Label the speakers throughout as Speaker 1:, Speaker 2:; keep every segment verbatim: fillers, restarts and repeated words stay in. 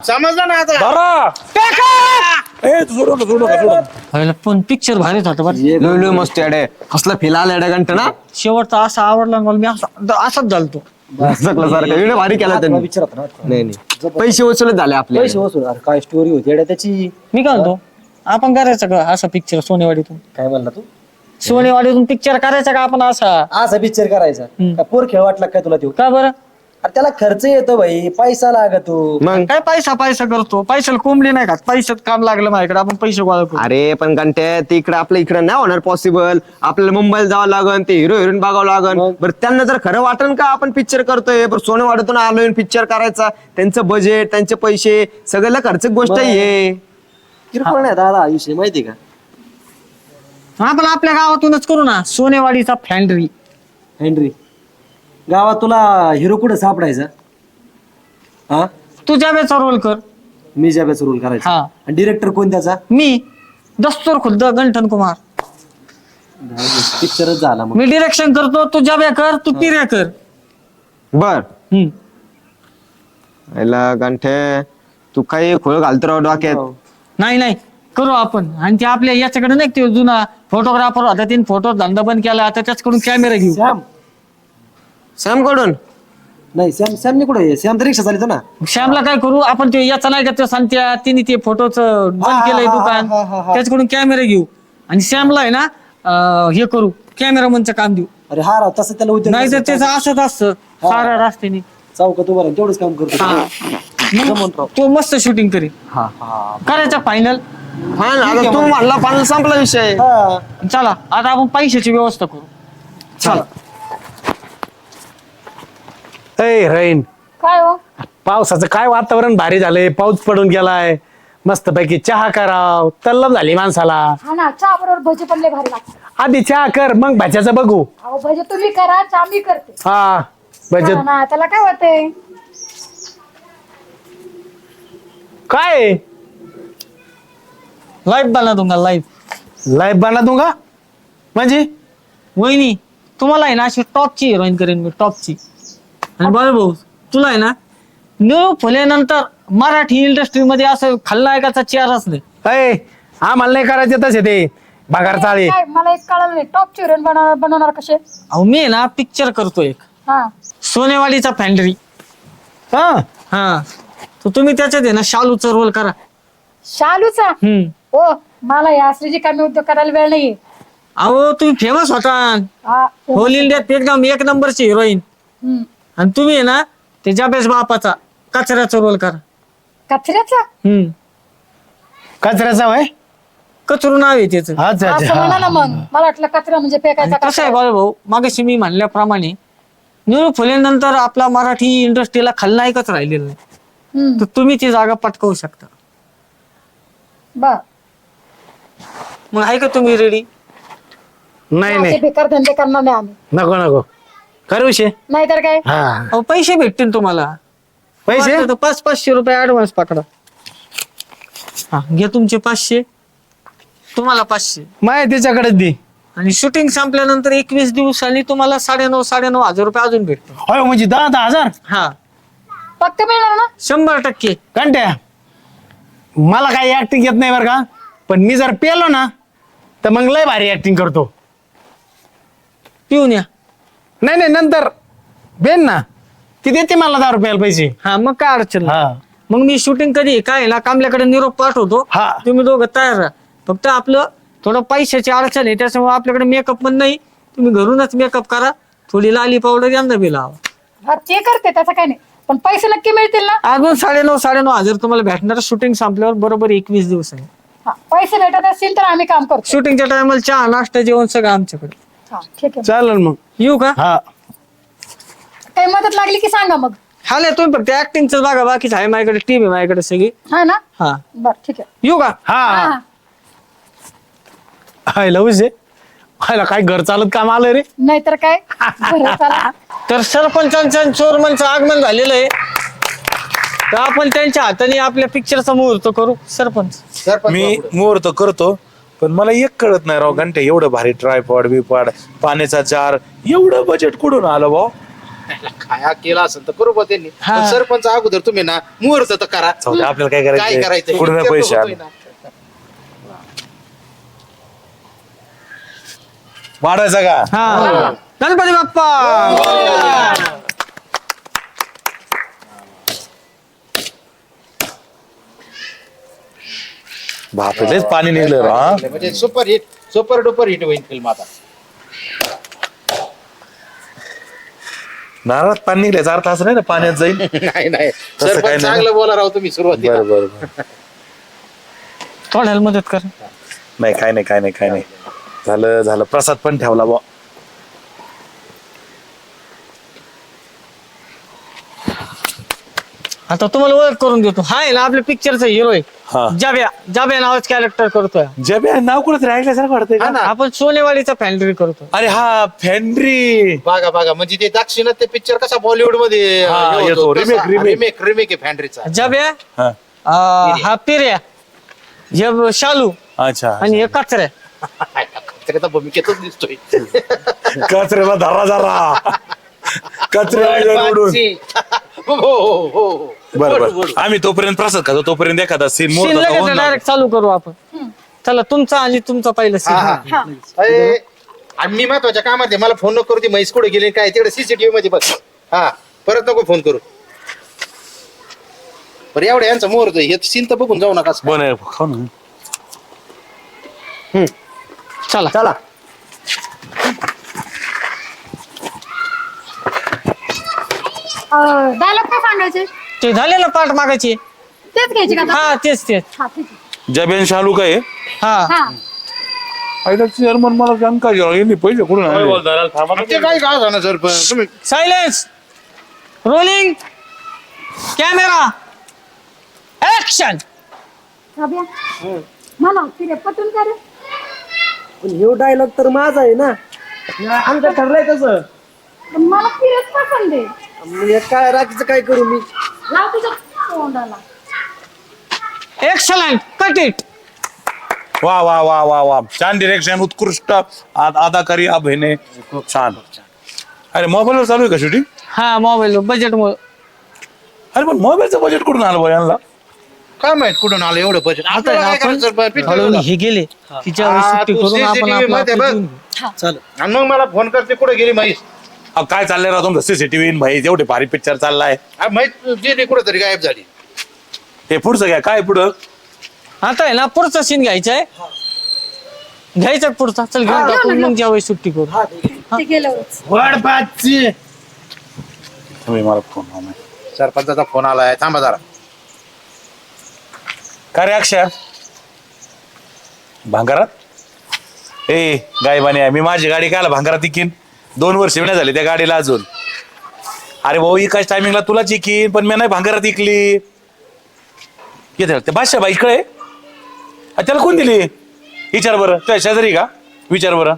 Speaker 1: समजलं ना आता.
Speaker 2: धरा. ए, तू सोडू नका, सोडू नका, सोडू नका.
Speaker 3: पण पिक्चर भारीच होता बरं.
Speaker 4: लय लय मस्त अडे कसला फिल आला अडे घंटा ना
Speaker 3: शेवटचा असा आवडला मला, मी असा असाच झालतो.
Speaker 4: सारखं एवढं भारी केला त्यांनी.
Speaker 1: विचारत ना
Speaker 4: नाही नाही पैसे वसूलच झाले आपले.
Speaker 1: पैसे वसूल. अरे काय स्टोरी होती येड्या त्याची.
Speaker 3: मी काय म्हणतो, आपण करायचं का असा पिक्चर सोनेवाडीतून?
Speaker 1: काय म्हणला तू?
Speaker 3: सोनेवाडीतून पिक्चर करायचा का आपण असा?
Speaker 1: असा पिक्चर करायचा का? पोर खेळ वाटला काय तुला तो?
Speaker 3: का बरं?
Speaker 1: अरे त्याला खर्च येतो भाई, पैसा लागतो.
Speaker 4: मग
Speaker 3: काय पैसा पैसा करतो? पैशाला कोंबडी नाही का? पैशात काम लागलं माझ्याकडे, आपण पैसे गोळा करू.
Speaker 4: अरे पण घंटे ते इकडे आपल्या इकडे नाही होणार पॉसिबल. आपल्याला मुंबईला जावं लागन, ते हिरो हिरोईन बघावं लागन. बरं त्यांना जर खरं वाटन का आपण पिक्चर करतोय, बरं सोनेवाडीतून आलोय पिक्चर करायचा, त्यांचं बजेट त्यांचे पैसे सगळ्याला खर्च गोष्ट आहे.
Speaker 1: किरकोळ नाही दादा आयुष्य, माहिती का?
Speaker 3: आपण आपल्या गावातूनच करू ना, सोनेवाडीचा फॅन्ड्री.
Speaker 1: हेनरी गावात तुला हिरो कुठे सापडायचा? हा,
Speaker 3: तू जाब्याचा रोल कर.
Speaker 1: मी ज्यावेळेस रोल करायचा.
Speaker 3: हा.
Speaker 1: आणि डिरेक्टर कोण त्याचा?
Speaker 3: मी दस्तूर खुद्द गंठन कुमार.
Speaker 1: पिक्चरच झाला मग.
Speaker 3: मी डिरेक्शन करतो, तू जाब्या कर, तू पिऱ्या कर.
Speaker 4: बर
Speaker 3: हम्म.
Speaker 4: याला घंटे तू काही खोळ घालतो राव डोक्यात.
Speaker 3: नाही नाही करू आपण. आणि ते आपल्या याच्याकडे नाही ते जुना फोटोग्राफर होता, तीन फोटो धंदा बंद केला, आता त्याच्याकडून कॅमेरा घेऊ.
Speaker 1: सॅम
Speaker 4: सॅम कडून
Speaker 1: नाही, सॅम सॅमने कुठे आहे? सॅम तर रिक्षा चालित ना.
Speaker 3: श्यामला काय करू आपण, ते याचा नाही का ते सांगत्या तिने ते फोटोच बंद
Speaker 1: हा,
Speaker 3: केलंय
Speaker 1: हा,
Speaker 3: दुकान,
Speaker 1: हा, हा, हा.
Speaker 3: त्याच्याकडून कॅमेरा घेऊ. आणि श्यामला आहे ना अं, हे करू, कॅमेरामनचं काम देऊ.
Speaker 1: अरे हा राव, तसं त्याला उद्योग
Speaker 3: नाही तर त्याचं असंच असतं साऱ्या रस्त्याने.
Speaker 1: चौकात उभा राहून तेवढंच काम करतो.
Speaker 3: हा.
Speaker 1: जमून राव.
Speaker 3: तो मस्त शूटिंग करेल.
Speaker 1: हा हा
Speaker 3: करायचं फायनल.
Speaker 4: हा ना, आता तू म्हणला पाणी संपला विषय.
Speaker 1: हा.
Speaker 3: चला आता आपण पैशाची व्यवस्था करू. चला.
Speaker 2: ए रैन,
Speaker 5: काय हो?
Speaker 2: पावसाचं काय वातावरण भारी झालंय, पाऊस पडून गेलाय, मस्त पैकी चहा कराव, तल्लम झाली माणसाला.
Speaker 5: हा ना, चहा बरोबर भजी पण लय भारी लागतात.
Speaker 2: आधी चहा कर, मग भाज्याचं बघू.
Speaker 5: अहो भजी तुम्ही करा, चहा मी करते.
Speaker 2: हा भजे
Speaker 5: हा ना, त्याला काय होतंय?
Speaker 2: काय
Speaker 3: लाईव्ह बना दूंगा लाईव्ह.
Speaker 2: लाईफ बना दूंगा म्हणजे?
Speaker 3: वहिनी तुम्हाला आहे ना अशी टॉपची हिरोईन करेन मी, टॉपची. आणि बरं भाऊ तुला आहे ना निळू फुलेनंतर मराठी इंडस्ट्रीमध्ये असं खलनायकाचा चेहराच नाही.
Speaker 2: अय आम्हाला नाही करायचे तसे ते भागार चाळे.
Speaker 5: काय मला एक कळलं नाही, टॉप चिरण बनवणार बनवणार कसे?
Speaker 3: अहो मी आहे ना पिक्चर करतो एक,
Speaker 5: हा.
Speaker 3: सोनेवाडीचा फॅन्ड्री.
Speaker 2: हा
Speaker 3: हा तर तुम्ही त्याच्यात आहे ना शालूचा रोल करा.
Speaker 5: शालूचा?
Speaker 3: हम्म.
Speaker 5: हो, मला या श्रीजी कमी उद्योग करायला वेळ नाहीये.
Speaker 3: अहो तुम्ही फेमस होता
Speaker 5: हा.
Speaker 3: होल इंडियात एकदम एक नंबरची हिरोईन.
Speaker 5: हम्म.
Speaker 3: आणि तुम्ही आहे ना ते जाबेस बापाचा कचऱ्याचा रोल करा.
Speaker 5: कचऱ्याचा?
Speaker 3: हम्म.
Speaker 2: कचऱ्याचा वय.
Speaker 3: कचरू नाव आहे त्याचं.
Speaker 2: अच्छा
Speaker 5: असं
Speaker 2: अच्छा
Speaker 5: म्हणा ना मग. मला वाटलं कचरा म्हणजे फेकायचा
Speaker 3: आणि कसं आहे
Speaker 5: कचरा.
Speaker 3: बाळ भाऊ, मागाशी मी म्हणल्याप्रमाणे निळू फुलेनंतर आपला मराठी इंडस्ट्रीला खलनायकच राहिलेला नाही.
Speaker 5: हम्म.
Speaker 3: तर तुम्ही ती जागा पटकावू शकता.
Speaker 5: बर.
Speaker 3: मग आहे का तुम्ही रेडी?
Speaker 2: नाही
Speaker 5: असे
Speaker 2: नाही
Speaker 5: बेकार धंदे करणार नाही आम्ही.
Speaker 2: नको नको करू विषय.
Speaker 5: नाहीतर काय.
Speaker 2: हा
Speaker 3: अहो पैसे भेटतील तुम्हाला.
Speaker 2: पैसे
Speaker 3: वाटलं तर पाच पाचशे रुपये ऍडव्हान्स पकडा. हा घ्या तुमचे पाचशे, तुम्हाला पाचशे.
Speaker 2: माय त्याच्याकडेच दे.
Speaker 3: आणि शूटिंग संपल्यानंतर एकवीस दिवसांनी तुम्हाला साडेनऊ साडेनऊ हजार रुपये अजून भेटतो.
Speaker 2: होय म्हणजे दहा दहा हजार
Speaker 3: हा
Speaker 5: पक्क मिळणार ना?
Speaker 3: शंभर टक्के.
Speaker 2: घंट्या मला काही ऍक्टिंग येत नाही बरं का, पण मी जर पेलो ना तर मग लय भारी ऍक्टिंग करतो.
Speaker 3: पिऊन या.
Speaker 2: नाही नाही नंतर बेन ना ती देते मला दहा रुपयाला पैसे.
Speaker 3: हा मग काय अडचण नाही.
Speaker 2: हा
Speaker 3: मग मी शूटिंग कधी आहे, काय आहे ना कामल्याकडे निरोप पाठवतो.
Speaker 2: हा.
Speaker 3: तुम्ही दोघं तयार राहा. फक्त आपलं थोडं पैशाची अडचण आहे, त्याच्यामुळे आपल्याकडे मेकअप पण नाही. तुम्ही घरूनच मेकअप करा, थोडी लाली पावडर यांना बी लावा.
Speaker 5: हा, ते करते त्याचं काय नाही, पण पैसे नक्की मिळतील ना?
Speaker 3: अजून साडेनऊ साडेनऊ हजार तुम्हाला भेटणार. शूटिंग संपल्यावर बरोबर एकवीस दिवस आहे.
Speaker 5: हा, पैसे भेटत असतील तर आम्ही काम करतो.
Speaker 3: शूटिंगच्या टायमाला चहा नाश्ता जेवण सगळं आमच्याकडे.
Speaker 5: हा, ठीक आहे.
Speaker 2: चालेल मग.
Speaker 3: येऊ का?
Speaker 2: हा
Speaker 5: काही मदत लागली की सांगा मग.
Speaker 3: हा नाही तुम्ही फक्त ऍक्टिंगच बघा, बाकीच आहे माझ्याकडे, टीम आहे माझ्याकडे सगळी.
Speaker 5: हा ना?
Speaker 3: हा
Speaker 5: बर ठीक आहे.
Speaker 3: येऊ का?
Speaker 5: हा,
Speaker 2: हा
Speaker 5: हा.
Speaker 2: हाय लवच आहे. हायला काय घर चालत काम आलं रे.
Speaker 5: नाहीतर काय. बरं, चला.
Speaker 3: तर सरपंचांचं आणि चोरमनचं आगमन झालेलं आहे. तर आपण त्यांच्या हाताने आपल्या पिक्चरचा मुहूर्त करू. सरपंच
Speaker 6: मी मुहूर्त करतो, पण मला एक कळत नाही राव घंटे, एवढं भारी ट्रायपॉड बिपॉड पाण्याचा जार, एवढं बजेट कुठून आलं भाऊ?
Speaker 7: खाया केला असेल तर करू बा त्यांनी
Speaker 3: हा.
Speaker 7: पण सरपंच अगोदर तुम्ही ना मुहूर्त तर करा
Speaker 6: जाऊ दे, आपल्याला काय
Speaker 7: काय
Speaker 6: करायचं
Speaker 7: करायचं
Speaker 6: पूर्ण पैसे आले. वाढायचा का
Speaker 3: हा गणपती बाप्पा
Speaker 6: बापरे लयच पाणी निघलं रे, हा
Speaker 7: म्हणजे super hit super duper hit होईल फिल्म आता
Speaker 6: नारळात पाणी निघल्याचा अर्थ असं नाही ना पाण्यात जाईल.
Speaker 7: नाही नाही
Speaker 6: तसं काय
Speaker 7: सरपंच
Speaker 6: नाही.
Speaker 7: चांगलं बोला राव तुम्ही सुरुवातीला
Speaker 6: बरं बरं बरं.
Speaker 3: थोड्याला मदत कर
Speaker 6: नाही काय नाही काय नाही काय नाही झालं झालं प्रसाद पण ठेवला बुवा.
Speaker 3: आता तुम्हाला ओळख करून देतो हा आहे ना आपल्या पिक्चरचा हिरो आहे
Speaker 6: हा
Speaker 3: जाब्या जाब्या नावाच कॅरेक्टर करतोय
Speaker 6: जबे नाव कुठं ऐकल्यासारखं वाटतंय
Speaker 7: हा
Speaker 6: का?
Speaker 7: ना
Speaker 3: आपण सोनेवाडीचा फॅन्ड्री करतो
Speaker 6: अरे हा फॅन्ड्री
Speaker 7: बघा बघा म्हणजे ते दाक्षिणात ते पिक्चर कसा बॉलिवूड मध्ये
Speaker 6: हा, येतो. Remake, remake.
Speaker 7: रिमेक रिमेक आहे फॅन्ड्रीचा
Speaker 3: जाब्या
Speaker 6: हा
Speaker 3: अं, हा पिर्या हे शालू
Speaker 6: अच्छा
Speaker 3: आणि हे कचऱ्या
Speaker 7: त्याच्या भूमिकेतच दिसतोय
Speaker 6: कचऱ्याला धरा जरा कचऱ्या उडून
Speaker 7: हो हो हो हो
Speaker 6: बरं बरं आम्ही तोपर्यंत प्रसाद खातो तोपर्यंत एखादा सीन
Speaker 3: सीन लगेच डायरेक्ट चालू करू आपण चला तुमचा आणि तुमचा पहिलं
Speaker 7: हा, हा.
Speaker 3: सीन
Speaker 7: अरे, आणि मी महत्वाच्या कामात आहे मला फोन नको करू ती म्हैस कुठे गेली काय तिकडे सीसीटीव्ही मध्ये बघ हा परत नको फोन करू बरं एवढं यांचा मुहूर्त हे सीन तर बघून जाऊ नका
Speaker 6: बन खाऊ ना
Speaker 3: चला
Speaker 4: चला
Speaker 5: डायलॉग काय सांगायचे
Speaker 3: ते झालेलं पाठ मागायची
Speaker 5: तेच घ्यायचे का आता?
Speaker 3: हा तेच तेच
Speaker 5: हा, ठीक आहे.
Speaker 6: जबेन शालू काय
Speaker 3: हा
Speaker 5: हा
Speaker 6: आयला चेअरमन मला जानका यांनी पैसे कुठून आणले?
Speaker 7: ते काय का झालं सर तुम्ही
Speaker 3: सायलेन्स रोलिंग कॅमेरा ऍक्शन
Speaker 5: जाब्या, मला फिरे पटून का रे
Speaker 1: पण ह्यो डायलॉग तर माझा आहे ना आमचं ठरलंय तसं.
Speaker 5: पण मला फिरेच पसंत आहे
Speaker 1: मग हे काय राखीचं काय करू मी
Speaker 5: लाव तुझ्या तोंडाला
Speaker 3: एक्सलंट कट इट
Speaker 6: वा वा वा वा वा छान डिरेक्शन उत्कृष्ट आ- अदाकारी अभिनय खूप छान अरे मोबाईलवर चालू आहे का शूटिंग
Speaker 3: हा मोबाईल बजेट
Speaker 6: अरे पण मोबाईलचं बजेट कुठून आलं बा यांना
Speaker 7: काय माहित कुठून आलं एवढं बजेट
Speaker 3: आता आहे ना आपण हळून हे गेले तिच्या
Speaker 7: हा,
Speaker 3: सुट्टी
Speaker 7: तू
Speaker 3: करून आपण
Speaker 7: CCTV
Speaker 3: आपलं
Speaker 7: मध्ये
Speaker 3: आपलं
Speaker 7: बघ.
Speaker 3: जीवन घेऊ.
Speaker 1: चालेल
Speaker 7: आणि मग मला फोन करते कुठे गेली म्हैस
Speaker 6: अहो, काय चाललंय राव तुमचं सीसीटीव्ही भाई एवढे भारी पिक्चर चाललाय
Speaker 7: हा, म्हैस गेली कुठे तरी गायब झाली
Speaker 6: हे पुढचं घ्या काय पुढं
Speaker 3: आता आहे ना पुढचा सीन घ्यायचा आहे घ्यायचा आहे पुढचा चल घेऊन टाकू मग ज्यावेळी सुट्टी करू
Speaker 5: ते गेल्यावरच
Speaker 6: तुम्ही मला फोन
Speaker 7: सरपंचाचा फोन आलाय थांबा जरा
Speaker 6: काय रे अक्षय भांगारात ए गायबाने आहे मी माझी गाडी कायला भांगारात इकीन दोन वर्ष नाही झाली त्या गाडीला अजून अरे भाऊ एकाच टायमिंगला तुलाच इकीन पण मी नाही भांगारात इकली येते ते बादशाह बाई इकडे अ, त्याला कोण दिली विचार बरं तुझ्या शेजारी का विचार बरं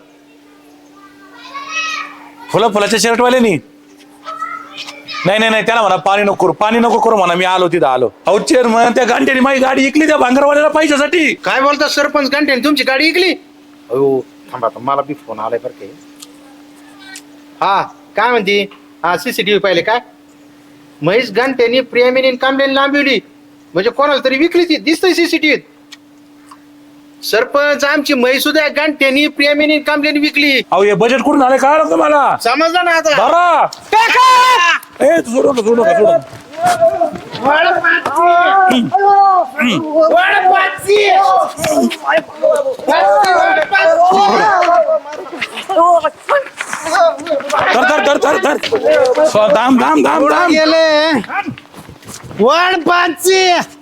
Speaker 6: फुला फुलाच्या शर्टवाल्यानी नाही नाही नाही त्याला म्हणा पाणी नको करू पाणी नको करू म्हणा मी आलो तिथं आलो अहो चेअरमन त्या घंट्याने माझी गाडी इकली त्या भांगरवाल्याला पैशासाठी
Speaker 7: काय बोलता सरपंच घंटे तुमची गाडी इकली अयो थांबा आता मला बी फोन आलाय बरं काही हा काय म्हणती हा सीसीटीव्ही पाहिले काय म्हैस घंट्यानी प्रेमीने कामल्याने लांबवली म्हणजे कोणाला तरी विकली ती दिसतंय सीसीटीव्हीत सरपंच आमची म्हैस सुद्धा घंट्यानी प्रेमीने कामल्याने विकली
Speaker 6: अहो हे बजेट कुठून आले काय तुम्हाला
Speaker 7: समजलं ना आता
Speaker 6: धरा ए तू सोडू नका सोडू नका सोडू नका. धर धर धर धर धर दाम दाम दाम दाम
Speaker 2: गेले वन पाचशे